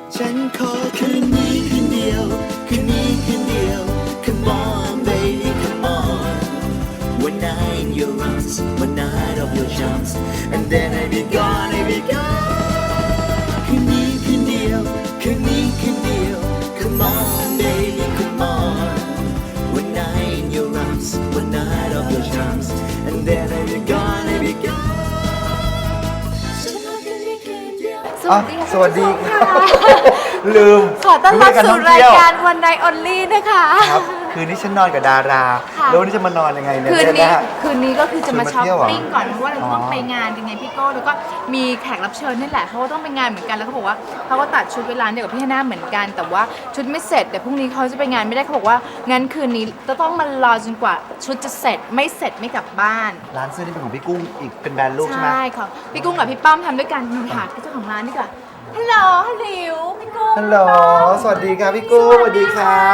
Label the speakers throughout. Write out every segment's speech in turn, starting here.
Speaker 1: ฉันขอคืนนี้คืนเดียวคืนนี้คืนเดียว Come on baby come on One night in your arms One night of your charms And then I be gone I be gone คืนนี้คืนเดียวคืนนี้คืนเดียว Come on baby come on One night in your arms One night of your charms And then I be gone I be gone
Speaker 2: สวัสดีค่ะลืม
Speaker 3: ขอต้อนรับสู่รายการ One Night Only นะคะ
Speaker 2: ครับคืนนี้ฉันนอนกับดารา
Speaker 3: ค่ะ
Speaker 2: แล้ววันนี้จะมานอนยังไงเนี่ย
Speaker 3: คืนนี้ก็คือจะมา
Speaker 2: ชวนมา
Speaker 3: ช้อป
Speaker 2: เที่ยวเหรอ
Speaker 3: ปิ้งก่อนเพราะว่าเราต้อง
Speaker 2: อ๋อ
Speaker 3: ไปงานยังไงพี่โก้แล้วก็มีแขกรับเชิญนี่แหละเขาก็ต้องไปงานเหมือนกันแล้วเขาบอกว่าเขาก็ตัดชุดเวลาเดียวกับพี่ฮาน่าเหมือนกัน แต่ว่าชุดไม่เสร็จเดี๋ยวพรุ่งนี้เขาจะไปงานไม่ได้เขาบอกว่างั้นคืนนี้จะต้องมารอจนกว่าชุดจะเสร็จไม่เสร็จไม่กลับบ้าน
Speaker 2: ร้านเสื้อนี่เป็นของพี่กุ้งอีกเป็นแบรนด์ลูกใช่ไหม
Speaker 3: ใช่ค่ะพี่กุ้งกับพี่ป้อมทำด้วยกันหาเจ้าของร้านดีกว่าฮัลโหลฮัลโหลพี่กุ้ง
Speaker 2: ฮัลโหลสวัสดีครับพี่กุ้งสวัสดีครับ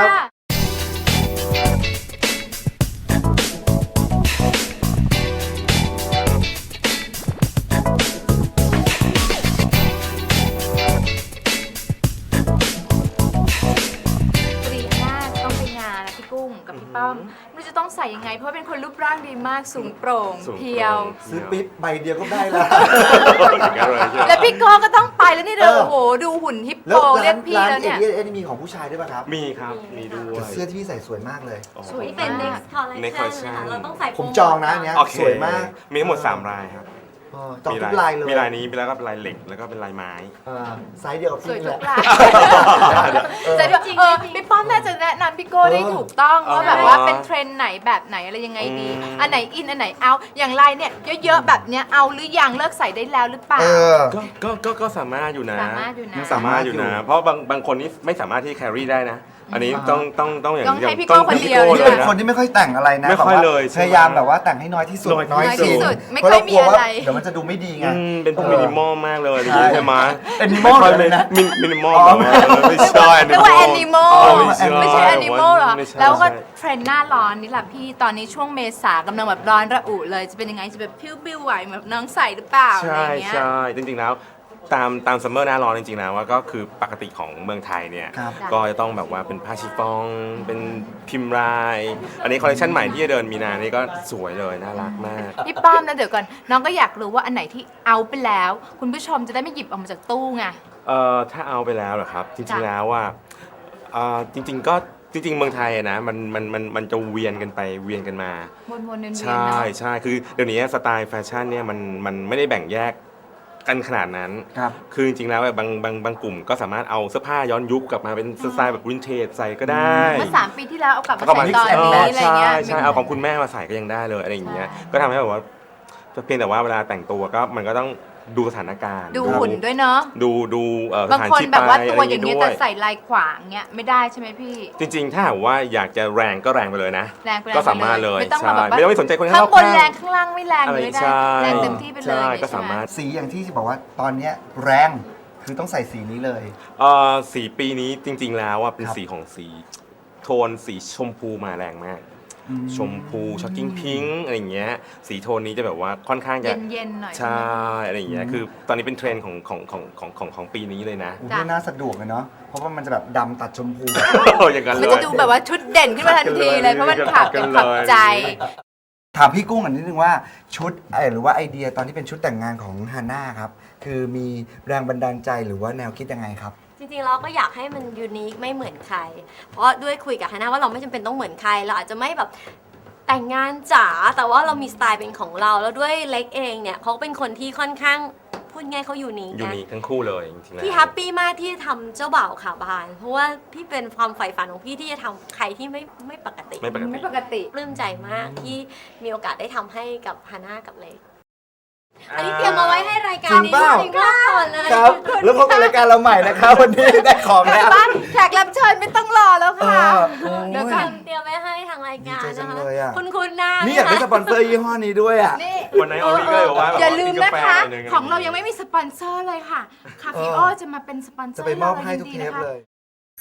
Speaker 3: ปรีหน้าต้องไปงานนะพี่กุ้งกับพี่ป้อมไม่รู้จะต้องใส่ยังไงเพราะว่าเป็นคนรูปร่างดีมากสูงโปร่งเพรียว
Speaker 2: ซื้อปิ๊บใบเดียวก็ได้แล้ว
Speaker 3: แล้วพี่ก้อก็ต้องไปแล้วนี่เด้อโอ้โหดูหุ่นฮิป
Speaker 2: แล้
Speaker 3: โป
Speaker 2: ว
Speaker 3: เรียกพี่
Speaker 2: ร้าน
Speaker 3: แล้ว
Speaker 2: เอ
Speaker 3: เนี่ย
Speaker 2: เอมีของผู้ชายด้วยป่ะครับ
Speaker 4: มีครับ มีด้ว
Speaker 2: แต่
Speaker 4: ย
Speaker 2: เสื้อที่พี่ใส่สวยมากเลย
Speaker 3: สวย
Speaker 5: นี่เป็น
Speaker 3: มาก
Speaker 5: next collection นะคะเราต้องใส่
Speaker 2: ผมจองนะอันเนี้ย
Speaker 4: โอเค
Speaker 2: สวยมาก
Speaker 4: มีทั้งหมด 3 ลายครับ
Speaker 2: จองทุกลายเลย
Speaker 4: มีลายนี้มีแล้วก็ลายเหล็ก แล้วก็เป็นลายไม้
Speaker 2: ไซส์เดียวกับ
Speaker 3: สวย
Speaker 2: พี่
Speaker 3: ทุ
Speaker 2: แหละ
Speaker 3: กลายแต่ด้วยพี่ป้อมน่าจะแนะนำพี่โก้ได้ถูกต้องว่าแบบว่าเป็นเทรนด์ไหนแบบไหนอะไรยังไงดี อันไหนอินอันไหนเอาอย่างลายเนี่ยเยอะๆแบบเนี้ยเอาหรือยังเลิกใส่ได้แล้วหรือเปล่า
Speaker 4: ก็สามารถอยู่นะ
Speaker 3: สามารถอยู่นะ
Speaker 4: สามารถอยู่นะ เพราะบางคนนี่ไม่สามารถที่แครี่ได้นะ อันนี้ต้องอย่าง
Speaker 3: ต้องให้พี่โก้คนเดียว
Speaker 4: พี่
Speaker 2: นี่
Speaker 4: โก้
Speaker 2: เป็น
Speaker 4: นะ
Speaker 2: คนที่ไม่ค่อยแต่งอะไรนะ
Speaker 4: ไม่ค่อย
Speaker 2: แบบว่า
Speaker 4: เลยใช่ไหม
Speaker 2: พยายามแบบว่าแต่งให้น้อยที่สุด
Speaker 4: น้อยที่สุด
Speaker 3: ไม่
Speaker 2: เพราะ
Speaker 3: ค่อ
Speaker 2: เรา
Speaker 3: ย
Speaker 2: ก
Speaker 3: มี
Speaker 2: ลัวว่า
Speaker 3: อะไร
Speaker 2: เดี๋ยวมันจะดูไม่ดีไง
Speaker 4: เป็นพวกมินิมอลมากเลยอย่างนี้ใช่ไหม
Speaker 2: Animal เลยนะ
Speaker 4: มินิมอล
Speaker 2: อ๋อ
Speaker 4: ไม่ใช่
Speaker 3: เรียกว่า animal ไม่ใช่
Speaker 4: ไม่
Speaker 3: animal เหรอ
Speaker 4: ไม่ใช่
Speaker 3: แล้วก็เทรนด์หน้าร้อนนี่แหละพี่ตอนนี้ช่วงเมษากำลังแบบร้อนระอุเลยจะเป็นยังไงจะแบบพิ้วบิ้วไหวแบบน้องใส่หรือเปล่าอะไร
Speaker 4: ใช่
Speaker 3: อย่างเงี้ย
Speaker 4: ใช่จริงๆแล้วตามซัมเมอร์หน้าร้อนจริงๆนะว่าก็คือปกติของเมืองไทยเนี่ย
Speaker 2: ครับ
Speaker 4: ก็จะต้องแบบว่าเป็นผ้าชิฟฟ่องเป็นพิมพ์ลาย อันนี้คอลเลคชันใหม่ที่จะเดินมีนานี่ก็สวยเลยน่ารักมาก
Speaker 3: พี่ป้อมนะเดี๋ยวก่อนน้องก็อยากรู้ว่าอันไหนที่เอาไปแล้ว คุณผู้ชมจะได้ไม่หยิบออกมาจากตู้ไง
Speaker 4: ถ้าเอาไปแล้วเหรอครับจริ
Speaker 3: จ้ะ
Speaker 4: งๆแล้วว่าจริงๆก็จริงๆเมืองไทยอะนะมันจะเวียนกันไปเวียนกันมา
Speaker 3: วนๆเวียนๆ
Speaker 4: ใช่
Speaker 3: เนาะ
Speaker 4: ใช่คือเดี๋ยวนี้สไตล์แฟชั่นเนี่ยมันไม่ได้แบ่งแยกกันขนาดนั้น
Speaker 2: ครับ
Speaker 4: คือจริงๆแล้วบางกลุ่มก็สามารถเอาเสื้อผ้าย้อนยุคกลับมาเป็นสไตล์แบบวินเทจใส่ก็ได้
Speaker 3: เมื่อ3 ปีที่แล้วเอากลับมา
Speaker 4: ก็
Speaker 3: ใส่ตอนนี้อะไร
Speaker 4: ใช่
Speaker 3: เงี้ย
Speaker 4: ใช่เอาของคุณแม่มาใส่ก็ยังได้เลยอะไรอย่างเงี้ยก็ทำให้แบบว่าเพียงแต่ว่าเวลาแต่งตัวก็มันก็ต้องดูสถานการณ์
Speaker 3: ดูหุ่นด้วยเนาะ
Speaker 4: ดูส
Speaker 3: บาง
Speaker 4: ถาน
Speaker 3: คน
Speaker 4: ที่
Speaker 3: แบบว่า
Speaker 4: ไป
Speaker 3: ตัวอย่าง
Speaker 4: นี้
Speaker 3: เงี้ย
Speaker 4: ด้
Speaker 3: แต่
Speaker 4: วย
Speaker 3: ใส่ลายขวางเงี้ยไม่ได้ใช่ไหมพี่
Speaker 4: จริงๆ ถ้าหากว่าอยากจะแรงก็แรงไปเลยนะ
Speaker 3: แรงไป
Speaker 4: ก็สามารถเลย
Speaker 3: ไม่ต้อง
Speaker 4: ใช่
Speaker 3: มาแบบว่า
Speaker 4: ไม่ต้องไปสนใจคน
Speaker 3: ข้างบน
Speaker 4: ข้าง
Speaker 3: แรงข้างล่างไม่แรง
Speaker 4: อะไร
Speaker 3: เลยได้
Speaker 4: ใช่
Speaker 3: แรงเต็มที่ไปเลย
Speaker 4: ใช่
Speaker 3: อย่งงี้
Speaker 4: ก็
Speaker 3: ใช่ไห
Speaker 4: สามารถ
Speaker 2: สีอย่างที่บอกว่าตอนเนี้ยแรงคือต้องใส่สีนี้เลย
Speaker 4: สีปีนี้จริงๆ แล้วเป็น
Speaker 2: ครับ
Speaker 4: สีของโทนสีชมพูมาแรงมาก ชมพูช็อกกิ้งพิงค์อะไรอย่างเงี้ยสีโทนนี้จะแบบว่าค่อนข้างจะ
Speaker 3: เย็นๆหน่อย
Speaker 4: ใช่อะไรอย่างเงี้ยคือตอนนี้เป็นเทรนด์ของปีนี้เลยนะ
Speaker 2: อู้นี่น่าสะดวกเลยเนาะเพราะว่ามันจะแบบดำตัดชมพู
Speaker 4: อย่างนั้น
Speaker 3: มัน
Speaker 4: เล
Speaker 3: จะ
Speaker 4: ย
Speaker 3: ดูแบบว่าชุดเด่นขึ้นมาทันทีเลยเพราะมันขับเป็นขับใจ
Speaker 2: ถามพี่กุ้งอันนิดนึงว่าชุดหรือว่าไอเดียตอนที่เป็นชุดแต่งงานของฮาน่าครับคือมีแรงบันดาลใจหรือว่าแนวคิดยังไงครับ
Speaker 5: จริงๆเราก็อยากให้มันยูนิคไม่เหมือนใคร เพราะด้วยคุยกับฮาน่าว่าเราไม่จำเป็นต้องเหมือนใคร เราอาจจะไม่แบบแต่งงานจ๋าแต่ว่าเรามีสไตล์เป็นของเราแล้วด้วยเล็กเองเนี่ยเขาเป็นคนที่ค่อนข้างพูดง่ายเขายูนิค
Speaker 4: ยู
Speaker 5: นะ
Speaker 4: นิคทั้งคู่เลยจริงๆแล้ว
Speaker 5: พี่แฮปปี้มากที่ทำเจ้าบ่าวขาบาน เพราะว่าพี่เป็นความใฝ่ฝันของพี่ที่จะทำใครที่ไม่ปกติ
Speaker 4: ไม่ปกติ
Speaker 3: ไม่ปกติ
Speaker 5: ปลื้มใจมากที่มีโอกาสได้ทำให้กับฮาน่ากับเล็กอันนี้เตรียมเอาไว้ให้รายการ
Speaker 2: จริง
Speaker 5: นี้
Speaker 2: เปล่า
Speaker 5: จริงๆก่อนเลย
Speaker 2: ครับ แล้วพบกับรายการเราใหม่นะครับ วันนี้ได้ของแล้ว
Speaker 3: บ้านแขกรับเชิญไม่ต้องรอแล้วค่ะ เดี๋ยวก่อน
Speaker 5: เตรียมไว้ให้ทางรายการ
Speaker 2: ดีใจจั
Speaker 5: นะ
Speaker 2: ง
Speaker 5: คะ
Speaker 2: เลยอะ
Speaker 5: คุณหน้า
Speaker 2: นี่อยากได้สปอนเซอร์ยี่ห้อนี้ด้วยอ่ะ
Speaker 3: นี่
Speaker 4: วันไหนออริก็เลยบอกว่า
Speaker 3: อย่าลืม
Speaker 4: กิ
Speaker 3: นะ
Speaker 4: กาแฟ
Speaker 3: คะ
Speaker 4: หน่อยนึ
Speaker 3: ของเรายังไม่มีสปอนเซอร์เลยค่ะ คาฟิโอจะมาเป็นสปอนเซอ
Speaker 2: จะ
Speaker 3: ร์
Speaker 2: ไปมอบให้
Speaker 3: รา
Speaker 2: ทุก
Speaker 3: ยิน
Speaker 2: เท
Speaker 3: ดี
Speaker 2: ป
Speaker 3: นะคะ
Speaker 2: เลย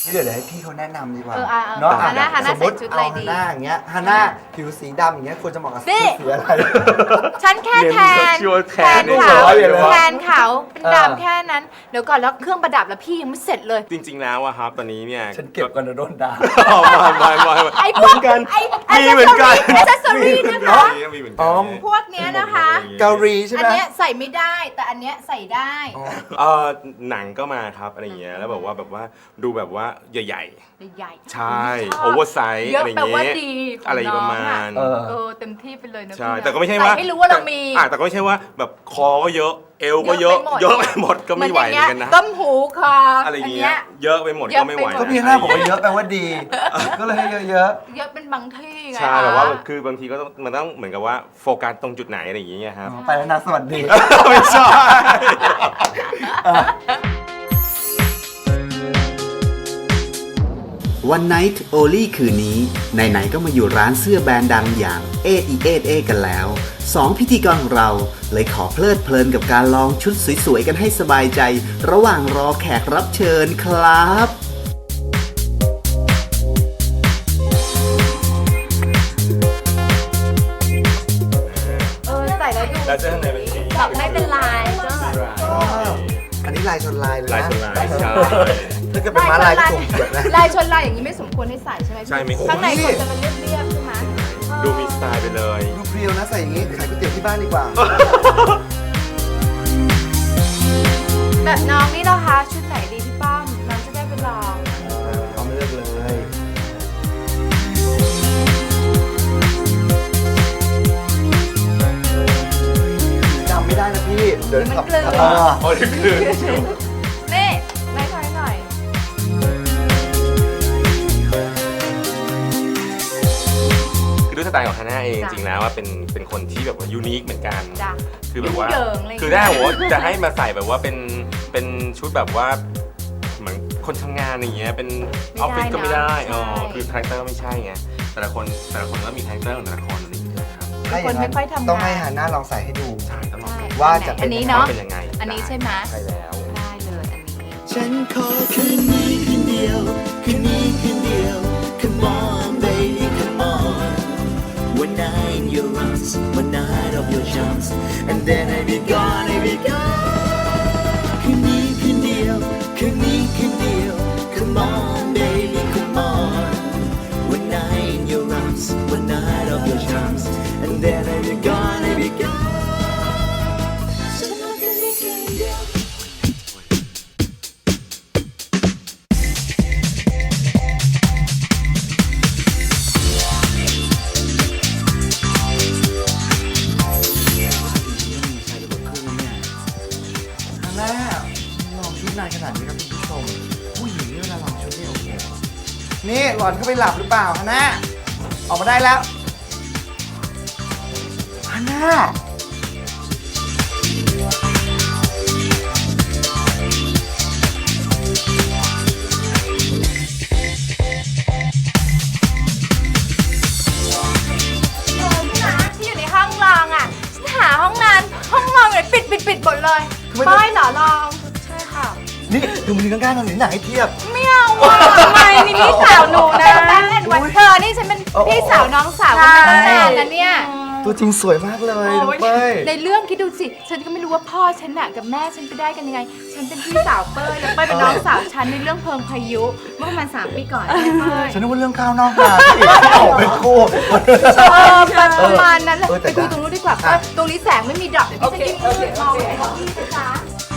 Speaker 2: เดี๋ยวให้พี่เขาแนะนำดีกว่า
Speaker 3: เนาะฮาน่า
Speaker 2: สมมติ
Speaker 3: ใส่ชุดอะไร
Speaker 2: เอา
Speaker 3: ดี
Speaker 2: ฮาน่าอย่างเงี้ยฮาน่าผิวสีดำอย่างเงี้ยควรจะเหมาะกับ
Speaker 3: นี่
Speaker 2: สีอะไร
Speaker 3: ฉันแค่แทน
Speaker 4: ชัวร์แทน
Speaker 3: ขาว
Speaker 2: เลยเหรอ
Speaker 3: แทนขาวเป็นดำแค่นั้น เดี๋ยวก่อนแล้วเครื่องประดับแล้วพี่ยังไม่เสร็จเลย
Speaker 4: จริงๆแล้วอะครับตอนนี้เนี่ย
Speaker 2: ฉันเก็บก่อนนะโดนด่า
Speaker 4: ไม่
Speaker 3: ไอ้พ
Speaker 4: เห
Speaker 3: ว
Speaker 4: มื
Speaker 3: ก
Speaker 4: อนกัน
Speaker 3: ไอ้
Speaker 4: มีเหมือนกัน
Speaker 3: แอสเซอรี่นะคะ
Speaker 4: มีเหมือน
Speaker 2: อ๋
Speaker 4: กั
Speaker 2: อ
Speaker 4: น
Speaker 3: พวกเนี้ยนะคะ
Speaker 2: เกาหลีใช่
Speaker 3: อั
Speaker 2: ไห
Speaker 3: น
Speaker 2: ม
Speaker 3: เนี้ยใส่ไม่ได้แต่อันเนี้ยใส่ได้
Speaker 4: หนังก็มาครับอะไรเงี้ยแล้วแบบว่าดูแบบว่าใหญ่
Speaker 3: ใหญ่
Speaker 4: ๆ ใช่
Speaker 3: ชบ
Speaker 4: โอเวอร์ไซส์
Speaker 3: เยอะ
Speaker 4: อะไร
Speaker 3: แปลว่า
Speaker 4: เงี้ย
Speaker 3: ดีของ
Speaker 4: อะไรประ
Speaker 3: น้อง
Speaker 4: มาณ
Speaker 3: เต็มที่ไปเลยนะ
Speaker 4: ใช่
Speaker 3: พี่นะ
Speaker 4: แต่ก็ไม่ใช่ว่า
Speaker 3: ใส่ให้รู้ว่าเรามี
Speaker 4: แต่ก็ไม่ใช่ว่าแบบคอก็เยอะ เอวก็เยอะ
Speaker 3: เย
Speaker 4: เย
Speaker 3: อะ
Speaker 4: อะ
Speaker 3: ไป
Speaker 4: ไป
Speaker 3: ห
Speaker 4: ห
Speaker 3: ม
Speaker 4: ม
Speaker 3: ด
Speaker 4: ดก็ไม่ไหวเหมือนกันนะ
Speaker 3: ต้มหูคอ
Speaker 4: อะไร
Speaker 3: อัน
Speaker 4: เงี้
Speaker 3: เนี้
Speaker 4: ย
Speaker 3: ย
Speaker 4: เยอะไปหมดก็ไม่ไหว
Speaker 3: เยอะไปหมด
Speaker 2: ก็พี่ฮาน่าบอกว่าเยอะแปลว่าดี ก็เลยให้เยอะ
Speaker 3: เยอะเป็นบางที่ไง
Speaker 4: ใช่แบบว่าคือบางทีก็ต้องมันต้องเหมือนกับว่าโฟกัสตรงจุดไหนอะไรอย่างเงี้ยครับ
Speaker 2: ๆไปแล้วนะสวัสดี
Speaker 4: ไม่ใช่
Speaker 6: วันไนท์โอลี่คืนนี้ไหนๆก็มาอยู่ร้านเสื้อแบรนด์ดังอย่างเอเอกันแล้ว2พิธีกรของเราเลยขอเพลิดเพลินกับการลองชุดสวยๆกันให้สบายใจ ระหว่างรอแขกรับเชิญครับ
Speaker 3: ใส่แล้วดู
Speaker 4: แล้วเสื้อข้างในเป็นสี
Speaker 5: แบบไม่เป็นลายก็
Speaker 2: อันนี้ลายชนลายเลยนะ
Speaker 4: ลายชนลายใช่
Speaker 2: ถ้าเกิดเป็นม้าลายก็ถูกเกียดนะ
Speaker 3: ลายชนลายอย่างนี้ไม่สมควรให้ใส่ใช่ไหมพี่
Speaker 4: ใช่ไม่ควร
Speaker 3: ข้างในควรจะมันเรียบๆใช่ไหม
Speaker 4: ดูมีสไตล์ไปเลย
Speaker 2: ดูเพรียวนะใส่อย่างงี้ขายก๋วยเตี๋ยวที่บ้านดีกว่า
Speaker 3: แบบน้องนี่นะคะชุดไหนดีพี่ป้อมน้องจะได้ไปลอง
Speaker 2: เอามาเลือกเลยจำไม่ได้นะพี่ เดี๋ยวขับ
Speaker 4: โอ้ยคือ
Speaker 3: นี่ไล่ถอยหน่อย
Speaker 4: คือด้วยสไตล์ของฮาน่าเอง
Speaker 3: จ้ะ
Speaker 4: จริงๆแล้วว่าเป็นคนที่แบบว่ายูนิคเหมือนกัน
Speaker 3: จ้ะ
Speaker 4: คือแบบว่า
Speaker 3: ยุ่งเหยิงอะไรอย่างเงี้ย
Speaker 4: คือได้โหจะให้มาใส่แบบว่าเป็นชุดแบบว่าเหมือนคนทำงานอย่างเงี้ยเป็นออฟฟิศก็ไม่ได้คือคาแรคเตอร์ไม่ใช่ไงแต่ละคนก็มีคาแรคเตอร์ของแต่ละคนอะไรอย่างเงี้ยครับ
Speaker 2: ถ้าอย่างนั้น
Speaker 3: คนไม่ค่อยทำงาน
Speaker 2: ต้องให้ฮาน่าลองใส่ให้ดู
Speaker 4: ใช่ต้องลอง
Speaker 3: ใช่
Speaker 2: ว่าจะเป็น
Speaker 3: อันนี้เนาะ
Speaker 4: เป็นยังไง
Speaker 3: อันนี้ใช่ไหม
Speaker 4: ใช่แล้ว
Speaker 3: ได้เลยอันนี้
Speaker 1: ฉันขอคืนนี้คืนเดียว คืนนี้คืนเดียว Come on baby come on One night in your arms One night of your charms And then I be gone I be gone คืนนี้คืนเดียว คืนนี้คืนเดียว Come on baby come on One night in your arms One night of your charms And then I be gone I be gone ฉันขอคืนนี้คืนเดียว
Speaker 2: ฮาน่าลองชุดนานขนาดนี้ครับคุณผู้ชม ผู้หญิงนี่เวลาลองชุดนี่โอ้โหนี่หล่อนเข้าไปหลับหรือเปล่าฮาน่าออกมาได้แล้วฮาน่า
Speaker 3: ที่อยู่ในห้องรองอ่ะฉันหาห้องนอนเลยปิดหมดเลย
Speaker 2: คือไม่
Speaker 3: ป้
Speaker 2: ต้อง
Speaker 3: ายเหรอลองใช่ค่ะ
Speaker 2: นี่ดูมือข้างๆทางหนึ่งหนังให้เทียบ
Speaker 3: ไม่เอาอ่ะทำไมนี่พี่สาวหนูนะวันเธอนี่ฉันเป็นพี่สาวน้องสาวกันมาตั้งนานแล้วเนี่ย
Speaker 2: ตัวจริงสวยมากเลยน้องเป้ย
Speaker 3: ในเรื่องคิดดูสิ ฉันก็ไม่รู้ว่าพ่อฉันน่ะกับแม่ฉันไปได้กันยังไง ฉันเป็นพี่สาวเป้ยแล้วเป้ยเป็นน้องสาวฉันในเรื่องเพลิงพายุเมื่อประมาณ3 ปีก่อนเนี่ยเป้ย
Speaker 2: ฉันนึกว่าเรื่องข้าวนอกนาที่อีกที่ออกเป็นคู่
Speaker 3: ประมาณนั้นแหละ
Speaker 2: แต่
Speaker 3: ไปดูตรงนู้นดีกว่าเพราะตรงนี้แสงไม่มีดอกเดี๋ยวพี่จะยิ่งมืดมองไม่เห็นพี่นะจ๊ะ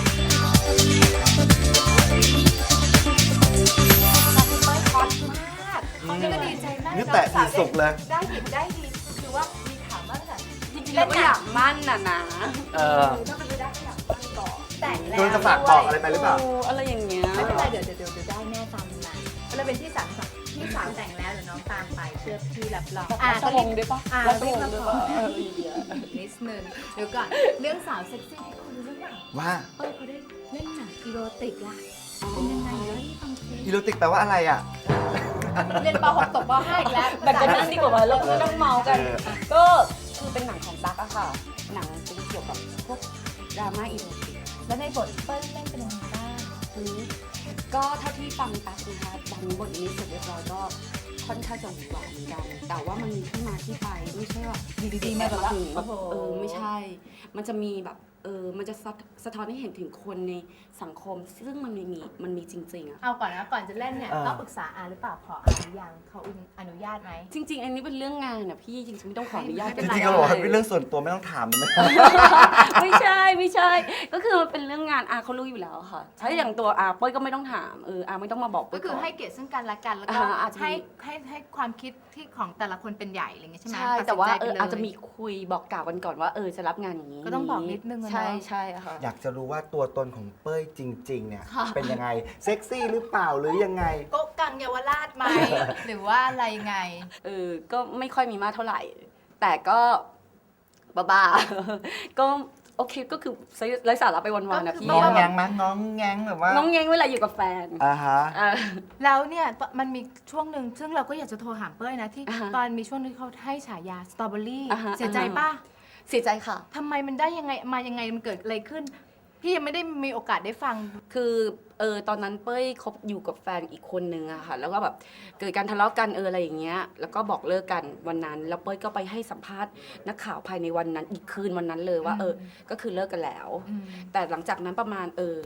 Speaker 3: นี่ก็ดีใจมาก
Speaker 2: นี่แตะอีสุกเลย
Speaker 3: ได้ผิดได้ดีคือว่ามีถามว่าแต่
Speaker 5: จริงๆเราก็อยากมั่นน่ะนะ
Speaker 3: ถ้าเป็นไปได้ก็อยากมั่นก่อนแต่งแล้ว
Speaker 2: โดนจะฝากบอกอะไรไปหรือเปล่า
Speaker 5: อะไรอย่างเงี้ย
Speaker 3: ไม่เป็นไรเดี๋ยวได้แน่ตามนั้นเราเป็นที่สามพี่สาวแต่งแล้วเดี๋ยวน้องตามไปเชื่อพี่รับรอง
Speaker 5: รับสวงด้วยปะ
Speaker 3: รับ
Speaker 5: สวงด้วยปะ
Speaker 3: นิดนึงเดี๋ยวก่อนเรื่องสาวเซ็กซี่ที่คุณรู้หรือเปล่า
Speaker 2: ว่า
Speaker 3: เขาได้เล่นหนังอีโรติกล่ะเป็นยังไงเดี๋ยวที่ฟังเพลง
Speaker 2: อีโรติกแปลว่าอะไรอ่ะ
Speaker 3: เรียนป .6 ตกป .5 อีกแล้ว
Speaker 5: แบ่งกันนั่งดีกว่าเราไม่ต้องเมากัน ก็คือเป็นหนังของตั๊กอะค่ะ หนังเป็นเกี่ยวกับพวกดราม่าอีโรติก
Speaker 3: แล้วในบทเปิ้ลเล่นเป็นยังไงบ้าง
Speaker 5: อืม
Speaker 7: ก็เท่าที่ฟังตั๊กนะคะดังบทนี้เสร็จเรียบร้อยก็ค่อนข้างจะหวานเหมือนกัน แต่ว่ามันมีที่มาที่ไปไม่ใช่ว่าดีๆมาแบบถึงแบบไม่ใช่ มันจะมีแบบมันจะสะท้อนให้เห็นถึงคนในสังคม ซึ่งมันมีจริงๆอะ
Speaker 3: เอาก่อนนะก่อนจะเล่นเนี่ย
Speaker 2: เออ
Speaker 3: ต้องปรึกษาอาหรือเปล่าขออาหรือยังเขาอนุญาตไหม
Speaker 7: จริง ๆ อันนี้เป็นเรื่องงานนะพี่จริงๆไม่ต้องขออนุญาต
Speaker 3: ไม่
Speaker 2: จ
Speaker 3: เป็นไร
Speaker 2: ริงๆก็บอกว่าเป็นเรื่องส่วนตัวไม่ต้องถามได้ไหม
Speaker 7: ไม่ใช่ ก็คือมันเป็นเรื่องงานอาเขารู้อยู่แล้วค่ะถ้าอย่างตัวอาเป้ยก็ไม่ต้องถามอาไม่ต้องมาบอกเป้
Speaker 3: ก็
Speaker 7: ย
Speaker 3: คือ
Speaker 7: ก่น
Speaker 3: ให้เกียรติซึ่งกันและกันแล้วก็
Speaker 7: อาจจะมี
Speaker 3: ให้ความคิดที่ของแต่ละคนเป็นใหญ่อะไรอย่างเงี้ยใช่ไหม
Speaker 7: ใช่
Speaker 3: ตัดสิน
Speaker 7: แต่ว่า
Speaker 3: ใจไปเลย
Speaker 7: อาจจะมีคุยบอกกล่าวกันก่อนว่าจะรับงานอย่างนี้
Speaker 3: ก็ต้องบอกนิดนึงอะเนอะ
Speaker 7: ใช่ค่ะ
Speaker 2: อยากจะรู้ว่าตัวตนของเป้ยจริง ๆ เนี่ย
Speaker 7: ค่ะ
Speaker 2: เป็นยังไง เซ็กซี่หรือเปล่าหรือยังไง
Speaker 3: โก๊ะกังเยาวราชไหม หรือว่าอะไรไง
Speaker 7: ก็ไม่ค่อยมีมากเท่าไหร่ แต่ก็บ้าๆ ก็โอเคก็คือไร้สาระไปวันๆนะพี่
Speaker 2: ง้องแงงมั้ยง้องแงงแบบว่า
Speaker 7: น้องแงงเวลาอยู่กับแฟน
Speaker 2: อ่าฮะ
Speaker 7: อ่า
Speaker 3: แล้วเนี่ยมันมีช่วงหนึ่งซึ่งเราก็อยากจะโทรหาเป้ยนะที่
Speaker 7: อ่าฮะ
Speaker 3: ตอนมีช่วงที่เขาให้ฉายาสตรอเบอรี่
Speaker 7: อ่าฮะ
Speaker 3: เสียใจป่ะ
Speaker 7: เสียใจค่ะ
Speaker 3: ทำไมมันได้ยังไงมายังไงมันเกิดอะไรขึ้น พี่ยังไม่ได้มีโอกาสได้ฟัง
Speaker 7: คือตอนนั้นเป้ยคบอยู่กับแฟนอีกคนนึงอะค่ะ แล้วก็แบบเกิดการทะเลาะกันอะไรอย่างเงี้ย แล้วก็บอกเลิกกันวันนั้น แล้วเป้ยก็ไปให้สัมภาษณ์นักข่าวภายในวันนั้นอีกคืนวันนั้นเลยว่าก็คือเลิกกันแล้ว
Speaker 3: อืม
Speaker 7: แต่หลังจากนั้นประมาณ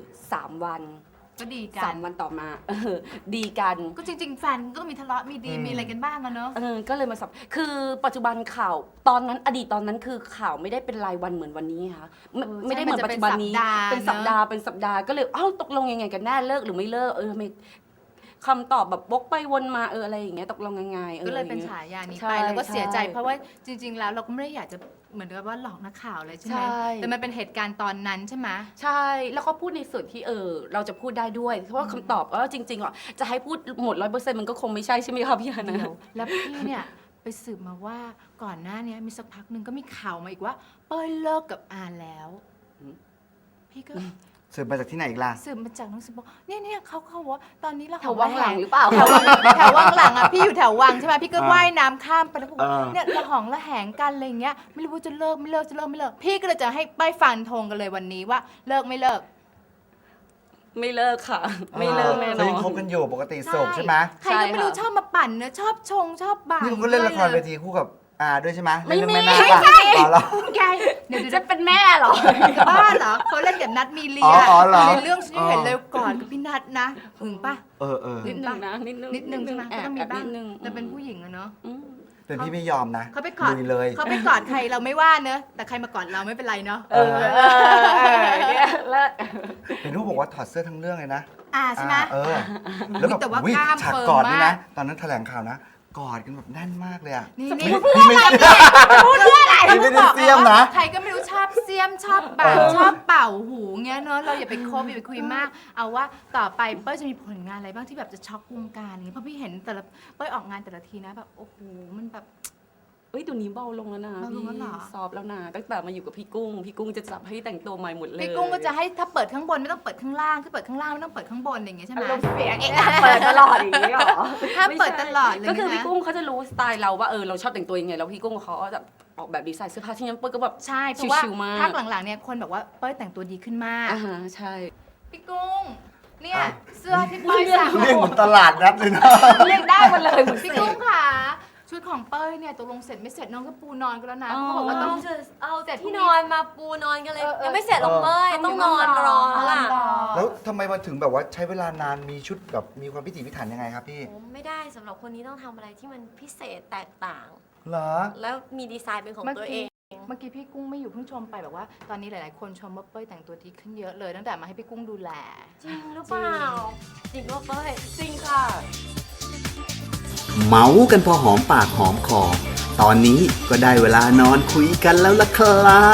Speaker 7: 3 วัน
Speaker 3: ก็ดีกั
Speaker 7: 3 วันต่อมาดีกัน
Speaker 3: ก็จริง ๆ แฟนก็ต้องมีทะเลาะมีดีมีอะไรกันบ้างอะเนอะ
Speaker 7: ก็เลยมาสับคือปัจจุบันข่าวตอนนั้นอดีตตอนนั้นคือข่าวไม่ได้เป็นรายวันเหมือนวันนี้ค่ะไม่ได้เหมือนปัจจุบันนี้เป็นสัปดาห์ก็เลยตกลงยังไงกันแน่เลิกหรือไม่เลิกทำไมคำตอบแบบวกไปวนมาอะไรอย่างเงี้ยตกลงยังไง
Speaker 3: ก็เลยเป็นฉายานี้
Speaker 7: ใช่
Speaker 3: ไปแล้วก็เสียใจ
Speaker 7: ใช่
Speaker 3: เพราะว่าจริง ๆ แล้วเราก็ไม่ได้อยากจะเหมือนกับว่าหลอกนักข่าวเลยใช่ไหม
Speaker 7: ใช่
Speaker 3: แต่มันเป็นเหตุการณ์ตอนนั้นใช่ไหม
Speaker 7: ใช่แล้วก็พูดในส่วนที่เราจะพูดได้ด้วยเพราะว่าคำตอบจริงๆจะให้พูดหมด100%มันก็คงไม่ใช่ใช่ไหมคะพี่ฮานะ
Speaker 3: เดี๋ยวแล้วพี่เนี่ยไปสืบมาว่าก่อนหน้านี้มีสักพักหนึ่งก็มีข่าวมาอีกว่าเป้ยเลิกกับอาแล้ว
Speaker 7: อืม
Speaker 3: พี่ก็
Speaker 2: สืบมาจากที่ไหนอีกล่ะ
Speaker 3: สืบมาจากหนังสือบอกเนี่ยเขาว่าตอนนี้เรา
Speaker 7: แถววังหลังหรือเปล่า
Speaker 3: แถววังหลังอ่ะพี่อยู่แถววังใช่ไหมพี่ก็ว่ายน้ำข้ามไปแล้วบอกว่า
Speaker 2: อ่า
Speaker 3: เนี่ยระหองระแหงกันอะไรอย่างเงี้ยไม่รู้ว่าจะเลิกไม่เลิกจะเลิกไม่เลิกพี่ก็เลยจะให้ป้ายฟันธงกันเลยวันนี้ว่าเลิกไม่เลิก
Speaker 7: ไม่เลิกค่ะ ไม่เลิกแน่น
Speaker 2: เขา
Speaker 7: อ
Speaker 2: ยัง
Speaker 7: น
Speaker 2: คบกันอยู่ปกติโสดใช่ไหม
Speaker 3: ใครก็ไม่รู้
Speaker 7: ใช่ค่ะ
Speaker 3: ชอบมาปั่นเนอะชอบชงชอบบ่าย
Speaker 2: นี่คุณก็เล่นละครเวทีคู่กับอาด้วยใช่ไหม
Speaker 7: ไม่
Speaker 2: เล่น
Speaker 7: มี
Speaker 2: เรื่องแม่นาคอ๋อเหรอ
Speaker 3: แกเดี๋ยว
Speaker 7: จะเป็นแม่เหรอ
Speaker 3: บ้าเหรอเขาเล่นกับนัทมีเลีย
Speaker 2: อ๋อเหรอ
Speaker 3: ในเรื่องฉันเห็นเลยก่อนกับพี่นัทนะหึงปะ
Speaker 2: เออ
Speaker 7: นิดนึงนะนิดนึง
Speaker 3: นิดนึงใช่ไหมก็ต้องมีบ้าง
Speaker 7: นิดนึง
Speaker 3: แต่เป็นผู้หญิงอะเนาะ
Speaker 7: อืม
Speaker 2: เป็นพี่ไม่ยอมนะ
Speaker 3: เขาไปกอด
Speaker 2: ลุยเลย
Speaker 3: เขาไปกอดใครเราไม่ว่าเนอะแต่ใครมากอดเราไม่เป็นไรเนาะ
Speaker 7: เนี่ยเลิก
Speaker 2: เห็นรูปบอกว่าถอดเสื้อทั้งเรื่องเลยนะ
Speaker 3: ใช่ไหม
Speaker 2: แล้วแบบ
Speaker 3: แต่ว่า
Speaker 2: อุ๊ย
Speaker 3: กล้าม
Speaker 2: ฉาก
Speaker 3: เฟิร์ม
Speaker 2: กอดนี่
Speaker 3: มา
Speaker 2: นะ
Speaker 3: ก
Speaker 2: ตอนนั้นแถลงข่าวนะ กอดกันแบบแน่นมากเลยอะ
Speaker 3: นี่
Speaker 2: พี่ไม่ได้เสียมนะ
Speaker 3: ใครก็ไม่รู้ชอบเสียมชอบบ่าชอบเป่าหูเงี้ยเนาะเราอย่าไปคบอย่าไปคุยมาก เอาว่าต่อไปเป้ยจะมีผลงานอะไรบ้างที่แบบจะช็อกวงการอย่างเงี้ยเพราะพี่เห็นแต่ละเป้ยออกงานแต่ละทีนะแบบโอ้โหมันแบบ
Speaker 7: เอ้ยเดี๋ยวนี้เบาลงแล้วนะ
Speaker 3: เบาลงแล้วเหรอ
Speaker 7: ซอฟต์แล้วนะตั้งแต่มาอยู่กับพี่กุ้งจะจับให้แต่งตัวใหม่หมดเลย
Speaker 3: พี่กุ้งก็จะให้ถ้าเปิดข้างบนไม่ต้องเปิดข้างล่างถ้าเปิดข้างล่างไม่ต้องเปิดข้างบนอย่างเงี้ยใช่ไหม
Speaker 7: อารมณ์เสียงเปิดตลอดอย่างนี้หรอ
Speaker 3: ห้ามเปิดตลอดเลยนะ
Speaker 7: ก็คือพี่กุ้งเขาจะรู้สไตล์เราว่าเราชอบแต่งตัวยังไงแล้วพี่กุ้งเขาก็จะออกแบบดีไซน์เสื้อผ้าที่นั้นเปิ้ลก็แบบ
Speaker 3: ใช่เพราะว่า
Speaker 7: ชิวๆมาก
Speaker 3: ภาคหลังๆเนี่ยคนบอกว่าเป้ยแต่งตัวดีขึ้นมาก
Speaker 7: ใช่
Speaker 3: พี่กุ้งเนี่ย
Speaker 2: อ่ะ
Speaker 3: เสื้อที่เป้ยสั่ง
Speaker 2: เรียกเหมือนตลาดนัดเลยนะ
Speaker 7: เรียกได้หมดเลยเหมือน
Speaker 3: พี่
Speaker 7: เส
Speaker 3: กุ้ง
Speaker 7: ก
Speaker 3: ค่ะชุดของเป้ยเนี่ยตกลงเสร็จไม่เสร็จน้องก็ปูนอนกันแล้วนะ
Speaker 7: อ๋อ
Speaker 3: เขาบอกว่าต้อง
Speaker 5: เอา
Speaker 3: เสร็จ
Speaker 5: ที่นอนมาปูนอนกันเลย ยังไม่เสร็จหรอกเป้ย
Speaker 3: เออ
Speaker 5: ต้องนอนรอแล้วล่ะ
Speaker 2: แล้วทำไมมันถึงแบบว่าใช้เวลานานมีชุดแบบมีความพิถีพิถันยังไงครับพี่
Speaker 5: ผมไม่ได้สำหรับคนนี้ต้องทำอะไรที่มันพิเศษแตกต่าง
Speaker 2: เหรอ
Speaker 5: แล้วมีดีไซน์เป็นของตัวเอง
Speaker 3: เมื่อกี้พี่กุ้งไม่อยู่เพิ่งชมไปแบบว่า ตอนนี้หลายๆคนชมว่าเป้ยแต่งตัวดีขึ้นเยอะเลยตั้งแต่มาให้พี่กุ้งดูแล
Speaker 5: จริงหรือเปล่า จริงว่าเป้ย
Speaker 7: จริงค่ะ
Speaker 6: เมากันพอหอมปากหอมคอ ตอนนี้ก็ได้เวลานอนคุยกันแล้วล่ะครับ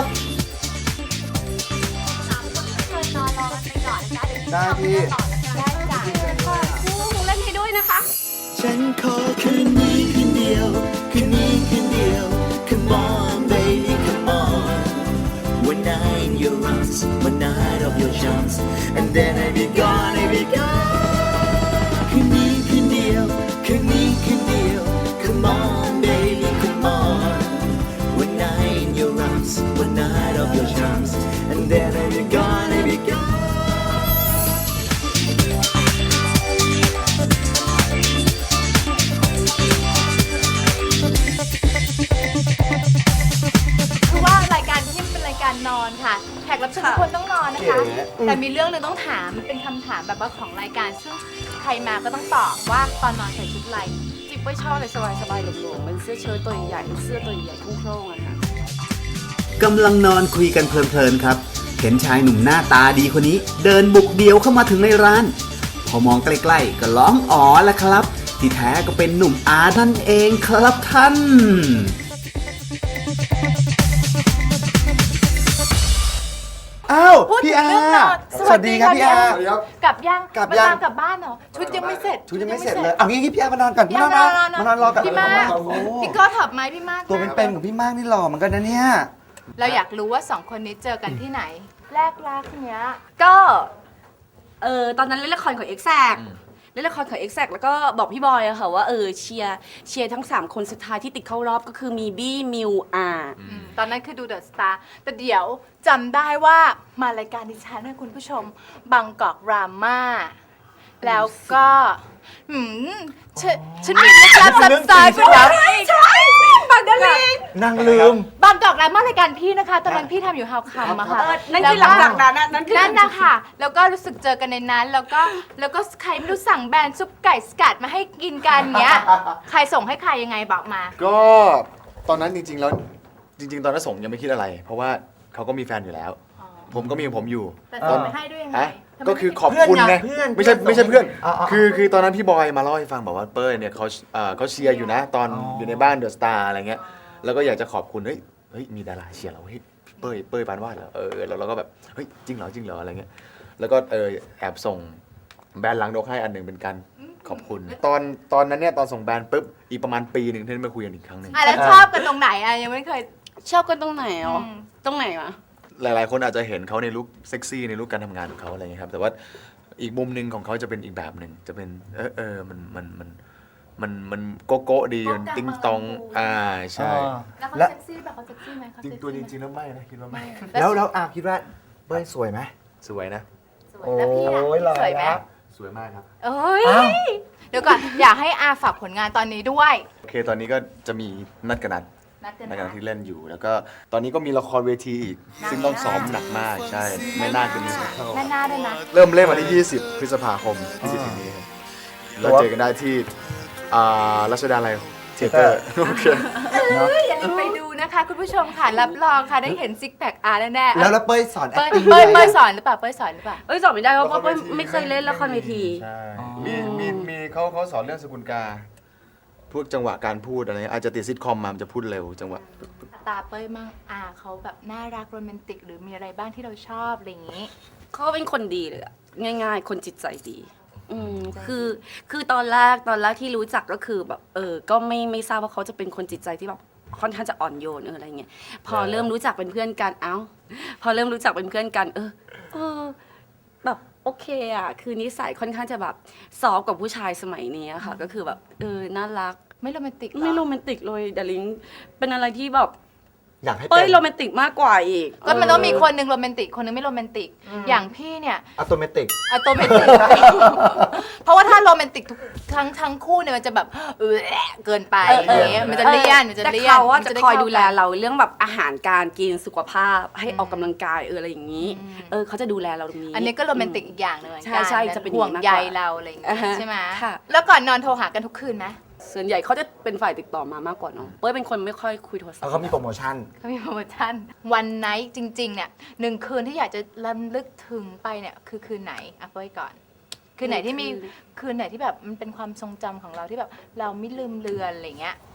Speaker 5: เชิญนอนรอกันไปก่อนนะจ๊ะเดี๋ยว
Speaker 2: ได้พี่
Speaker 5: ต่อนะคะได้จ้ะ
Speaker 7: กุ้งเล่นให้ด้วยนะคะ
Speaker 1: ฉันขอคืนนี้คืนเดียว คืนนี้คืนเดียว Come on baby come on One night in your arms One night of your charms And then I be gone I be gone คืนนี้คืนเดียว คืนนี้คืนเดียว Come on baby come on One night in your arms One night of your charms And then I be gone I be gone
Speaker 3: แต่มีเรื่องหนึงต้องถามเป็นคำถามแบบว่าของรายการซึ่งใครมาก็ต้องตอบว่าตอนนอนใส่ชุดอะไร
Speaker 7: จิ๊บไม่ชอบเลยสบายๆหลวมๆเป็นเสื้อเชิ้ตตัวใหญ่ๆเสื้อตัวใหญ่โคร่งๆอะค่ะ
Speaker 6: กำลังนอนคุยกันเพลินๆครับ เห็นชายหนุ่มหน้าตาดีคนนี้ เดินบุกเดี่ยวเข้ามาถึงในร้าน พอมองใกล้ๆก็ร้องอ๋อแล้วครับ ที่แท้ก็เป็นหนุ่มอานั่นเองครับท่าน
Speaker 2: อ้าว
Speaker 3: พูด
Speaker 2: พี่
Speaker 3: ถึง
Speaker 2: อา
Speaker 3: เรื่องนอน
Speaker 2: สวัสดีครับพี่อา
Speaker 3: พี่กลับยัง
Speaker 2: กลับยัง
Speaker 3: มาตามกลับบ้านเหรอชุดยังไม่เสร็จ
Speaker 2: ชุดยังไม่เสร็จเลยเอางี้พี่อาร์มานอนก่อน
Speaker 3: พี่
Speaker 2: มาน
Speaker 3: มาน
Speaker 2: อน
Speaker 3: อน
Speaker 2: มานอนรอกัน
Speaker 3: พี่มาก
Speaker 2: โอ้โห
Speaker 3: พี่ก็ถอบไหมพี่มาก
Speaker 2: ตัวเป็นๆของพี่มากนี่หล่อเหมือนกันนะเนี่ย
Speaker 3: เราอยากรู้ว่าสองคนนี้เจอกันที่ไหน แรกรักเนี้ย
Speaker 7: ก็ตอนนั้นเล่นละครของ Exact เล่นละครของ Exact แล้วก็บอกพี่บอยอะค่ะว่าเชียร์ทั้ง 3 คนสุดท้ายที่ติดเข้ารอบก็คือมีบี้มิวอา
Speaker 3: ตอนนั้นคือดูเดอะสตาร์แต่เดี๋ยวจำได้ว่ามารายการดิฉันนะคุณผู้ชมบางกอกราม่าแล้วก็หืมฉันมีลึกลับซับซ้อนคุณนะใช่บางกอก
Speaker 2: นั่งลืม
Speaker 3: บางกอกราม่ารายการพี่นะคะ ตอนนั้นพี่ทำอยู่ฮาวคัมอะค่ะ
Speaker 7: นั่นคือหลังจากนั้นนั่นคือ
Speaker 3: นั่นนะคะแล้วก็รู้สึกเจอกันในนั้น แล้วก็ใครไม่รู้สั่งแบรนด์ซุปไก่สกัดมาให้กินกันเงี้ยใครส่งให้ใครยังไงบอกมา
Speaker 8: ก็ตอนนั้นจริงๆแล้วจริง ๆ ตอนนั้นส่งยังไม่คิดอะไร เพราะว่าเขาก็มีแฟนอยู่แล้ว ผมก็มีของผมอยู่
Speaker 3: แต่ส่งไปให้ด้วยยังไง
Speaker 8: ฮะ
Speaker 3: ทำไม
Speaker 8: ก็คือขอบคุณไง
Speaker 2: เพื่อน
Speaker 8: ไม่ใช่
Speaker 2: เพื่อน
Speaker 8: ไม่ใช่เพื่อน
Speaker 2: อ๋ออ๋อ
Speaker 8: คือตอนนั้นพี่บอยมาเล่าให้ฟังบอกว่าเป้ยเนี่ยเขาเชียร์อยู่นะตอนอยู่ในบ้านเดอะสตาร์อะไรเงี้ยแล้วก็อยากจะขอบคุณเฮ้ยมีดาราเชียร์เราเฮ้ยเป้ยปานวาดเหรอแล้วเราก็แบบเฮ้ยจริงเหรออะไรเงี้ยแล้วก็แอบส่งแบรนด์ล้างรกให้อันหนึ่งเป็นการขอบคุณ ตอนนั้นเนี่ยตอนส่งแบรนด์ปุ๊บอีกประมาณปีหนึ่งที่ได้มาคุยกันอีกครั้งหนึ่ง
Speaker 3: แล้วชอบกันตรงไหนอะยังไม่เคย
Speaker 7: ชอบกันตรงไหนอ๋อ
Speaker 3: อืม
Speaker 7: ตรงไหนวะ
Speaker 8: หลายๆ คนอาจจะเห็นเขาในลุคเซ็กซี่ในลุคการทำงานของเขาอะไรเงี้ยครับแต่ว่าอีกมุมหนึ่งของเขาจะเป็นอีกแบบหนึ่งจะเป็นมันโกโก้ดีมันติ้งตองใช่
Speaker 3: แล้วเขา
Speaker 2: แล้ว
Speaker 3: เซ็กซี่แบบเขาเซ็กซี่ไหมเขา
Speaker 8: จริง
Speaker 3: เซ็กซี่
Speaker 8: ตัวจ
Speaker 3: ไหม
Speaker 8: ริงๆแล้วไม่นะคิดว่าไม่
Speaker 2: แล้วอาคิดว่าเป้ยสวยไหม
Speaker 8: สวยนะ
Speaker 3: สวยแล้วพี่อะ
Speaker 2: โอ้ยหล่อ
Speaker 3: สวยไหม
Speaker 2: แล้ว
Speaker 8: สวยมากครับ
Speaker 3: เอ้ย
Speaker 2: อ้าว
Speaker 3: เดี๋ยวก่อนอยากให้อาฝากผลงานตอนนี้ด้วย
Speaker 8: โอเคตอนนี้ก็จะมีนัดกัน
Speaker 3: นัดกัน
Speaker 8: นัด
Speaker 3: นะ
Speaker 8: กันที่เล่นอยู่ แล้วก็ตอนนี้ก็มีละครเวทีอีกซึ่งต้องซ้อมหนักมากใช่ไม่น่าจะมีเข้า
Speaker 3: แม่หน้าด้วยนะ
Speaker 8: เริ่มเล่นวันที่ 20 พฤษภาคมที่จะถึงนี้ครับเราเจอกันได้ที่รัชดาลัยเทเตอร์โอเค
Speaker 3: อย่าลืมไปดูนะคะคุณผู้ชมค่ะรับรองค่ะได้เห็นซิกแพคอาร์แน่ๆ
Speaker 2: แล้วเป้ยสอน
Speaker 3: เป้ย
Speaker 2: acting
Speaker 3: เป้ย
Speaker 2: ไหม
Speaker 3: เป้ยสอนหรือเปล่าเป้ยสอนหรือเปล่า
Speaker 7: สอนไม่ได้เพราะ
Speaker 8: ละคร
Speaker 7: ว่า
Speaker 8: เวที
Speaker 7: ไม่เคยเล่นละครเวที
Speaker 8: ใช่มีเขาสอนเรื่องสกุลกาพวกจังหวะการพูดอะไรอาจจะติดซิทคอมมามันจะพูดเร็วจังหวะ
Speaker 3: ตาเป้ยมั่งอาเขาแบบน่ารักโรแมนติกหรือมีอะไรบ้างที่เราชอบอะไรอย่างนี้
Speaker 7: เขาเป็นคนดีเลยอะง่ายๆ คนจิตใจดีคือตอนแรกที่รู้จักก็คือแบบก็ไม่ทราบว่าเขาจะเป็นคนจิตใจที่แบบค่อนข้างจะอ่อนโยนอะไรเงี้ยพอเริ่มรู้จักเป็นเพื่อนกันพอเริ่มรู้จักเป็นเพื่อนกันแบบโอเคอะคือนิสัยค่อนข้างจะแบบซอฟต์กับผู้ชายสมัยนี้อะค่ะ ก็คือแบบน่ารัก
Speaker 3: ไม่โรแมนติกเหรอ
Speaker 7: ไม่โรแมนติกเลยดาริงเป็นอะไรที่แบบ
Speaker 2: อยากให้
Speaker 7: เป้ย
Speaker 2: เป็น
Speaker 7: โรแมนติกมากกว่าอีก
Speaker 3: ก็มันต้องมีคนหนึ่งโรแมนติกคนหนึงไม่โรแมนติกอย่างพี่เนี่ย
Speaker 2: อัตโนมัติ
Speaker 3: อะโตเมติก เพราะว่าถ้าโรแมนติกทุกทั้งคู่เนี่ยมันจะแบบเกินไปอย่างเงี้ยมันจะเลี่ยนมันจะ
Speaker 7: แต่
Speaker 3: เลี่ยน
Speaker 7: เขาว่า
Speaker 3: มัน
Speaker 7: จะ
Speaker 3: ได้
Speaker 7: คอย
Speaker 3: เข้า
Speaker 7: ดูแล
Speaker 3: กัน
Speaker 7: เราเรื่องแบบอาหารการกินสุขภาพให้ออกกำลังกายอะไรอย่างนี้เขาจะดูแลเราตรงนี้
Speaker 3: อันนี้ก็โรแมนติกอีกอย่างหนึงเหมือนกัน
Speaker 7: ใช่จะเป็น
Speaker 3: ห่วง
Speaker 7: อย่างนั้น
Speaker 3: ใย
Speaker 7: มากกว่า
Speaker 3: เราอะไรอย่างเงี้ย
Speaker 7: อ่าฮะ
Speaker 3: ใช่ไหม
Speaker 7: ค่ะ
Speaker 3: แล้วก่อนนอนโทรหากันทุกคืนไหม
Speaker 7: ส่วนใหญ่เขาจะเป็นฝ่ายติดต่อมามากกว่าเนาะเป้ยเป็นคนไม่ค่อยคุยโทรศัพ
Speaker 2: แล้ว
Speaker 7: ท์
Speaker 2: เขามีโปรโมชั่น
Speaker 3: เขามีโปรโมชั่นวันไนท์จริงๆเนี่ย1 คืนที่อยากจะรำลึกถึงไปเนี่ยคือคืนไหนอ่ะเป้ยก่อน คืนไหนที่มีคืนไหนที่แบบมันเป็นความทรงจำของเราที่แบบเราไม่ลืมเลือนอะไรเงี้ย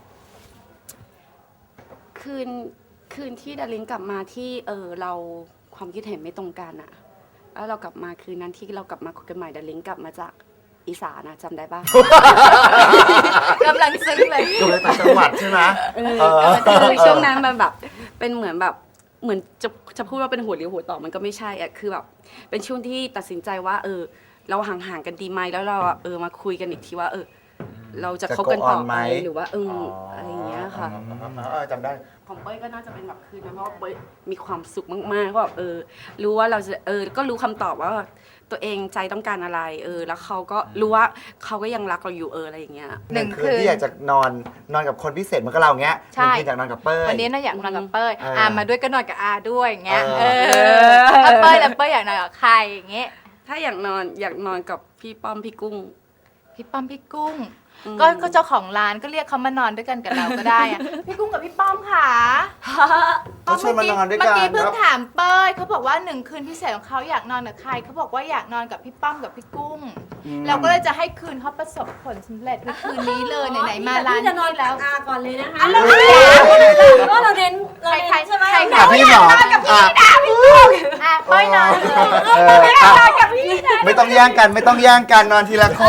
Speaker 7: คืนที่ดาริงกลับมาที่เราความคิดเห็นไม่ตรงกันอะแล้วเรากลับมาคืนนั้นที่เรากลับมาคุยกันใหม่ดาริงกลับมาจากอีสานนะจำได้ปะ
Speaker 3: กำลังซึ้งเลย
Speaker 2: ดูเลยต่างจังหวัดใช่ไหม
Speaker 7: คือช่วงนั้นมันแบบเป็นเหมือนจะพูดว่าเป็นหัวเรียวหัวต่อมันก็ไม่ใช่อะคือแบบเป็นช่วงที่ตัดสินใจว่าเราห่างๆกันดีไหมแล้วเรามาคุยกันอีกทีว่าเราจะคบกันต่อ
Speaker 2: จะ go on
Speaker 7: ไหม
Speaker 2: ไหม
Speaker 7: หรือว่าอะไรอย่างเงี้ยค่ะ
Speaker 8: จำได้
Speaker 7: ของเป้ยก็น่าจะเป็นแบบคืนนั้นเพราะว่าเป้ยมีความสุขมากๆเพราะแบบรู้ว่าเราจะก็รู้คำตอบว่าตัวเองใจต้องการอะไรแล้วเขาก็รู้ว่าเขาก็ยังรักเราอยู่อะไรอย่างเงี้ย
Speaker 2: หนึ่งคืนที่อยากจะนอนกับคนพิเศษเหมือนกับเราเงี้ย
Speaker 3: ใช่
Speaker 2: หนึ่งคืนอยากนอนกับเป้ย
Speaker 3: วันนี้น่าอยากนอนกับเป้ย
Speaker 2: อ่า
Speaker 3: มาด้วยก็นอนกับอาด้วยอย่างเงี้ย
Speaker 2: เออ
Speaker 3: ถ้าเป้ยแล้วเป้ยอยากนอนกับใครอย่างเงี้ย
Speaker 7: ถ้าอยากนอนกับพี่ป้อมพี่กุ้ง
Speaker 3: พี่ป้อมพี่กุ้ง
Speaker 7: อืม
Speaker 3: ก็เจ้าของร้านก็เรียกเขามานอนด้วยกันกับเราก็ได้อะ พี่กุ้งกับพี่ป้อมค่ะ
Speaker 2: เขาชวนมานอนด้วยกัน
Speaker 3: เมื่อกี้เพิ่ง
Speaker 2: ครับ
Speaker 3: ถามเป้ยเขาบอกว่า1 คืนพิเศษของเขาอยากนอนกับใครเขาบอกว่าอยากนอนกับพี่ป้อมกับพี่กุ้ง เราก็เลยจะให้คืนเขาประสบผลสำเร็จในคืนนี้เลยไหนๆมาร้าน
Speaker 5: พี่จะนอน
Speaker 3: นี้
Speaker 5: แล้
Speaker 3: แล้ว ว
Speaker 5: อาก่อนเลยนะคะก็เราเน้นใช่ไหม
Speaker 3: ใคร
Speaker 2: อ่ะพี่หมออ่ะ
Speaker 3: เป้ยนอนเลย
Speaker 2: ไม่ต้องแย่งกันไม่ต้องแย่งกันนอนทีละคน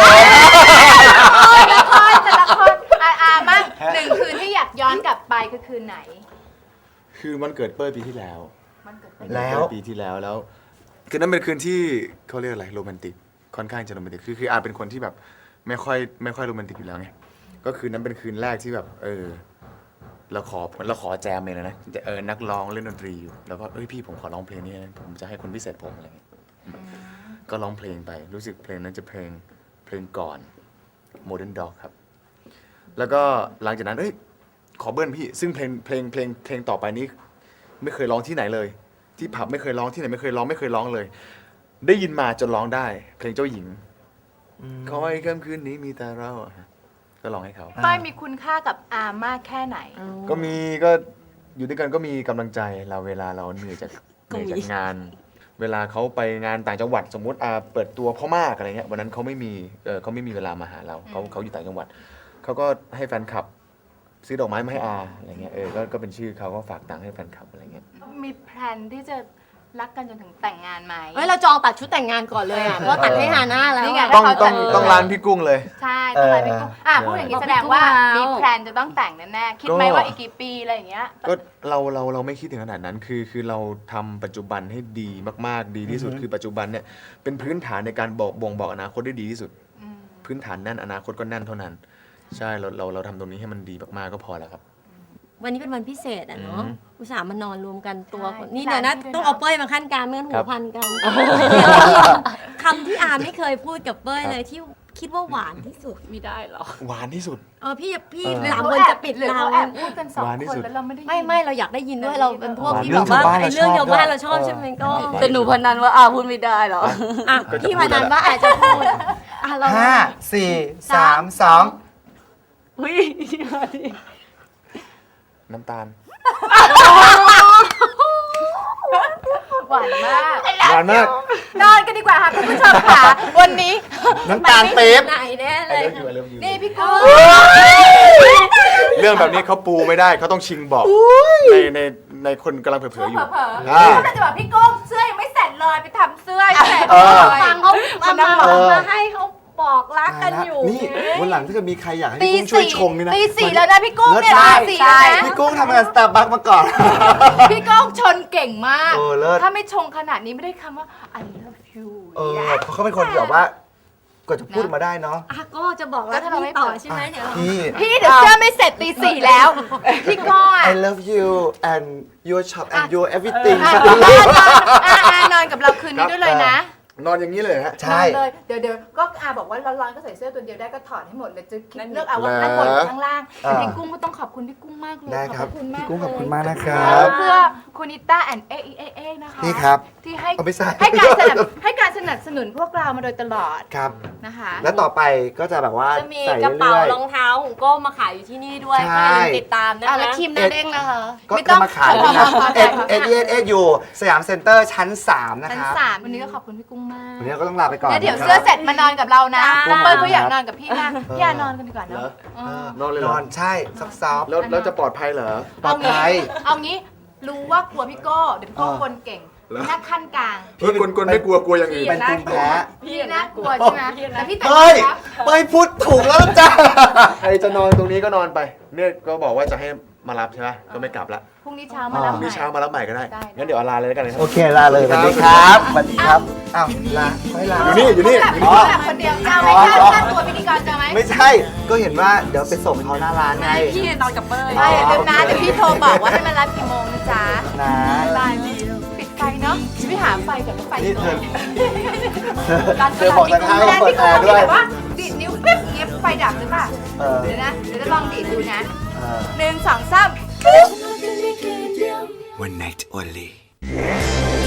Speaker 3: แต่ละคนมั่ง1 คืนที่อยากย้อนกลับไปคือคืนไหน
Speaker 8: คือวันเกิดเป้ยปีที่แล้ว
Speaker 3: มันเกิด
Speaker 2: แล้ว
Speaker 8: ปีที่แล้วคือนั้นเป็นคืนที่เขาเรียกอะไรโรแมนติกค่อนข้างจะโรแมนติกคืออาเป็นคนที่แบบไม่ค่อยโรแมนติกอยู่แล้วไงก็คืนนั้นเป็นคืนแรกที่แบบเราขอแจมเลยนะนักร้องเล่นดนตรีอยู่แล้วก็พี่ผมขอร้องเพลงนี้นะผมจะให้คนพิเศษผมอะไรเงี้ยก็ร้องเพลงไปรู้สึกเพลงนั้นจะเพลงก่อน Modern Dog ครับแล้วก็หลังจากนั้นขอเบิ้ลพี่ซึ่งเพลงต่อไปนี้ไม่เคยร้องที่ไหนเลย ที่ผับไม่เคยร้องที่ไหนไม่เคยร้องเลย ได้ยินมาจนร้องได้เพลงเจ้าหญิงขอให้ค่ำคืนนี้มีแต่เราก็ร้องให้เขา
Speaker 3: เป้ยมีคุณค่ากับอามากแค่ไหน
Speaker 8: ก็อยู่ด้วยกันก็มีกำลังใจเราเวลาเราเหนื่อยจากงาน เวลาเขาไปงานต่างจังหวัดสมมุติเปิดตัวพ่อมากอะไรเงี้ยวันนั้นเขาไม่มีเวลามาหาเราเขาอยู่ต่างจังหวัดเขาก็ให้แฟนคลับซื้อดอกไม้มาให้อาอะไรเงี้ยก็เป็นชื่อเขาก็ฝากตังค์ให้แฟนคลับอะไรเงี้ย
Speaker 3: มีแพลนที่จะรักกันจนถึงแต่งงานไหม
Speaker 5: เราจองตัดชุดแต่งงานก่อนเลยอ่ะเพราะตัดให้ฮาน่าแล้ว
Speaker 3: นี่ไง
Speaker 8: ต้องร้านพี่กุ้งเลย
Speaker 3: ใช่ต้องอะไรพี่กุ้งพูดอย่างนี้แสดงว่ามีแพลนจะต้องแต่งแน่ๆคิดไหมว่าอีกกี่ปีอะไรอย่างเงี้ย
Speaker 8: ก็เราไม่คิดถึงขนาดนั้นคือเราทำปัจจุบันให้ดีมากๆดีที่สุดคือปัจจุบันเนี่ยเป็นพื้นฐานในการบ่งบอกอนาคตได้ดีที่สุดพื้นฐานแน่นอนาคตก็แน่นเท่านั้นใช่เราทำตรงนี้ให้มันดีมากๆก็พอแล้วครับ
Speaker 5: วันนี้เป็นวันพิเศษอ่ะเนาะอุตส่าห์มานอนรวมกันตัว
Speaker 3: ใช่
Speaker 5: นี่เดี๋ยวนะ
Speaker 3: พี่
Speaker 5: ต้องเอาเป้ยมาขั้นกลางไม่งั้นหัวพันกันคำที่อาไม่เคยพูดกับเป้ยเลยที่คิดว่าหวานที่สุด
Speaker 7: ไม่ได้หรอ
Speaker 8: หวานที่สุด
Speaker 5: พี่
Speaker 3: หรือ
Speaker 5: สาม
Speaker 3: เขา
Speaker 5: คน
Speaker 3: แอบ
Speaker 5: จะปิด
Speaker 3: หรือ
Speaker 5: เรา
Speaker 3: เขาแอบพูดกัน2
Speaker 8: หวานที่
Speaker 3: คน
Speaker 8: สุด
Speaker 3: แล้วเราไม่ได้ยิน
Speaker 5: ไม่เราอยากได้ยินด้วยเราเป็นพวก
Speaker 2: หวาน
Speaker 5: ที่
Speaker 2: เรื่
Speaker 5: แบ
Speaker 2: อง
Speaker 5: บว่า
Speaker 2: ชาวบ้าน
Speaker 5: ไอ้เรื่อง
Speaker 2: เรา
Speaker 5: ชาว
Speaker 2: ชอบ
Speaker 5: บ้าน
Speaker 2: ด้วย
Speaker 5: เราชอบใช่ไหมก็
Speaker 7: แต่หนูพนันว่าพูดไม่ได้หรอ
Speaker 8: ก็จะ
Speaker 5: พี่
Speaker 8: พู
Speaker 5: พ
Speaker 8: ดแล้
Speaker 5: นั
Speaker 8: วน แหละ
Speaker 5: ว่าอาจจะพูดเรา
Speaker 2: 5 4 3 2
Speaker 7: อุ้ย
Speaker 8: น้ำตาล
Speaker 3: หวานมาก
Speaker 8: หวานมาก
Speaker 3: นอนกันดีกว่าค่ะคุณผู้ชมค่ะวันนี้
Speaker 2: น้ำตาลปี๊บ
Speaker 5: ไหนแน่เลย
Speaker 8: I love you
Speaker 3: นี่พี่กุ้ง
Speaker 8: เรื่องแบบนี้เขาปูไม่ได้เขาต้องชิงบอกในคนกำลังเผลอๆอยู่
Speaker 3: เผลอ
Speaker 8: อ่า
Speaker 3: ๆก็จะบอกพี่กุ้งเสื้อยังไม่เสร็จเลยไปทำเสื้อให้เสร็จ
Speaker 2: เออ
Speaker 3: เลย
Speaker 5: ฟังเขามาให้เขาบอกรักกันอยู่
Speaker 2: นี่วันหลังถ้าเกิดมีใครอยากให้
Speaker 3: ตี
Speaker 2: พี่กุ้งช่วย
Speaker 3: สี่
Speaker 2: ชงนี่นะ
Speaker 3: ตีสี่แล้วนะพี่กุ้งเนี่ย
Speaker 2: ใช่
Speaker 3: ตีสี่แล้วนะ
Speaker 2: พี่กุ้งทำงานสตาร์บัคมาก่อน
Speaker 3: พี่ก้องชนเก่งมาก
Speaker 2: เออเลิศ
Speaker 3: ถ้าไม่ชงขนาดนี้ไม่ได้คำว่า I love you
Speaker 2: เพราะเขาเป็นคนที่แบบว่าก็จะพูดมาได้เนาะ
Speaker 5: ก็จะบอกรักพี่ต่อใช่ไหมเดี๋ยว
Speaker 2: พี่
Speaker 3: พี่เดี๋ยวเสื้อไม่เสร็จตีสี่แล้ว พี่ก้องอ่ะ
Speaker 2: I love you and your shop and your everything
Speaker 3: นอนกับเราคืนนี้ด้วยเลยนะ
Speaker 8: นอนอย่างนี้เลยฮะ
Speaker 2: ใช่
Speaker 3: นอนเลยเดี๋ยวก็บอกว่าร้อนๆก็ใส่เสื้อตัวเดียวได้ก็ถอดให้หมดเลยจะคิดเลือกเอาว่าข้างบนหรือข้างล่างแต่พี่กุ้งก็ต้องขอบคุณพี่กุ้งมากเลย
Speaker 2: ได้ครับ
Speaker 3: ขอบคุณมาก
Speaker 2: พี่กุ้งขอบคุณ
Speaker 3: เลย
Speaker 2: มากนะครับ
Speaker 3: เพื่อคุณนิต้าแอนเอเอนะคะ
Speaker 2: นี่ครับ
Speaker 3: ที่ให้
Speaker 2: เอาไปใส่
Speaker 3: ให้การสนับสนุนพวกเรามาโดยตลอด
Speaker 2: ครับ
Speaker 3: นะคะ
Speaker 2: แล้วต่อไปก็จะแบบว่า
Speaker 5: จะมี
Speaker 2: ใส่
Speaker 5: กระเป๋า
Speaker 2: เรื่อย
Speaker 5: รองเท้าของโก้มาขายอยู่ที่นี่ด้วย
Speaker 2: ใช่
Speaker 5: ก็อย่าลืมติดตามนะคะ
Speaker 3: แล้วทีมหน้าเด้งนะคะ
Speaker 2: ๆก็จะมาขายด้วยนะเอ็ดอยู่สยามเซ็นเตอร์ชั้น 3 นะ
Speaker 3: ชั้น
Speaker 2: ครับ
Speaker 3: 3วันนี้ก็ขอบคุณพี่กุ้งมาก
Speaker 2: วันนี้เราก็ต้องลาไปก่อน
Speaker 3: แล้วเดี๋ยว
Speaker 2: นะค
Speaker 3: เสื้อ
Speaker 2: รับ
Speaker 3: เสร็จมานอนกับเรานะ
Speaker 5: จ้า
Speaker 3: น้องเปิ้ลก็อยากนอนกับพี่นะพี่อานอนกันดีกว่า
Speaker 8: เหร
Speaker 3: เนาะ
Speaker 8: อ
Speaker 3: เออ
Speaker 8: นอนเลยเหร
Speaker 2: น
Speaker 8: อ
Speaker 2: อนใช่ซอฟต์
Speaker 8: แล้วจะปลอดภัยเหรอ
Speaker 2: ปลอดภัย
Speaker 3: เอางี้รู้ว่ากลัวพี่โก้เดี๋ยวพี่โก้กลเก่ง
Speaker 8: เหรอ
Speaker 3: นักขั้นกลาง
Speaker 8: พี่คนไม่กลัวอย่างอื่น
Speaker 2: เป็นภูมิแพ้
Speaker 3: พี่น่ากลัวใช่ไหมแต่พี่แต่ง
Speaker 2: เฮ้ย
Speaker 3: ครับ
Speaker 2: เป้ยพูดถูกแล้วจ้า
Speaker 8: ใครจะนอนตรงนี้ก็นอนไป เนี่ยก็บอกว่าจะให้มารับใช่ไหมก็ไม่กลับละ
Speaker 3: พรุ่งนี้เช้ามารับ
Speaker 8: พรุ่งนี้เช้ามารับใหม่ก็ได้
Speaker 3: ได้
Speaker 8: งั้นเดี๋ยวลาเลยแล้วกันนะครับ
Speaker 2: โอเคลาเลยสวัสดีครับสวัสดีครับอ้าวลาไม่ลา
Speaker 8: อยู่นี่
Speaker 3: แบบคนเดียวเอาไหมค่าตัวพิธีกรจะไหม
Speaker 2: ไม่ใช่ ก็เห็นว่าเดี๋ยวไปส่งเขาหน้าร้านไง
Speaker 7: พี่นอนกับเป้ย
Speaker 3: ไม่อย่าลืมนะเดี๋ยวพี่โทรบอกว่าให้มารับกี่โมงนะจ๊ะ
Speaker 2: นะ
Speaker 3: บายปิดไฟเนาะจะไปหาไฟกับไฟ
Speaker 2: นี่เธอ
Speaker 3: ร้าน
Speaker 2: เธอบอกจะเข้าเปิดแอร์ด้วย
Speaker 3: แต่ว่าดีดนิ้วปิ๊บเงี้ยไฟดับหรือเปล่า
Speaker 2: เออ
Speaker 3: เดี๋ยวนะเดี๋ยวจะลองดีดดูนะ
Speaker 2: เออ
Speaker 3: 1 2 3
Speaker 6: One night only